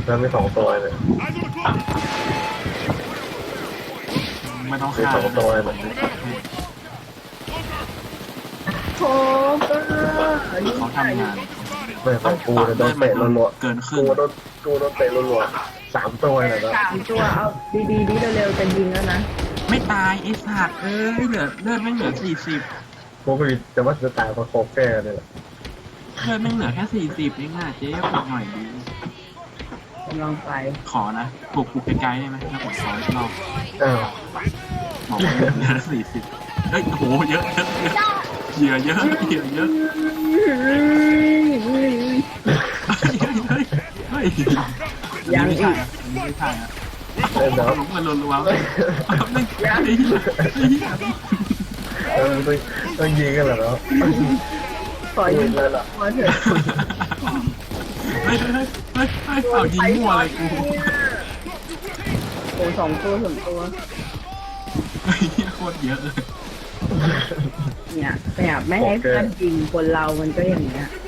แล้วมี2 ตัวเลยไม่ต้องมีฆ่า 2 ตัวเลยโถก็ยิงเขาใส่ทำงานไม่ของกูโดนเตะรัวๆเกินครึ่งกูโดนเตะรัวๆ3 ตัวเลยนะ 3 ตัวเอาดีๆดีเร็วๆจะยิงแล้วนะไม่ตายไอ้สัตว์เหลือเลือดไม่เหลือ40 กูไม่มีจะว่าจะตายเพราะโคแก่เนี่ยแหละเลือดไม่เหลือแค่40เองอ่ะเจ๊ปลุกหน่อยดีกำลังไปขอนะปลุกกูไกลๆได้ไหมแล้วผมขออีกรอบอ้าวบอกว่าเหลือ40เฮ้ยโอ้โหเยอะเหยื่อเยอะเยอะเฮ้ยยังอีกไม่ใช่อ่ะเล่นแล้วลงมารัวๆไม่ต้องยิงกันเหรอเนาะขอยิงเลยล่ะมาเถอะเอายิงมั่วเลยกูโอ้2 ตัวโคตรเยอะเลยเนี่ยแต่ไม่ให้เพื่อนยิงคนเรามันก็อย่างเงี้ย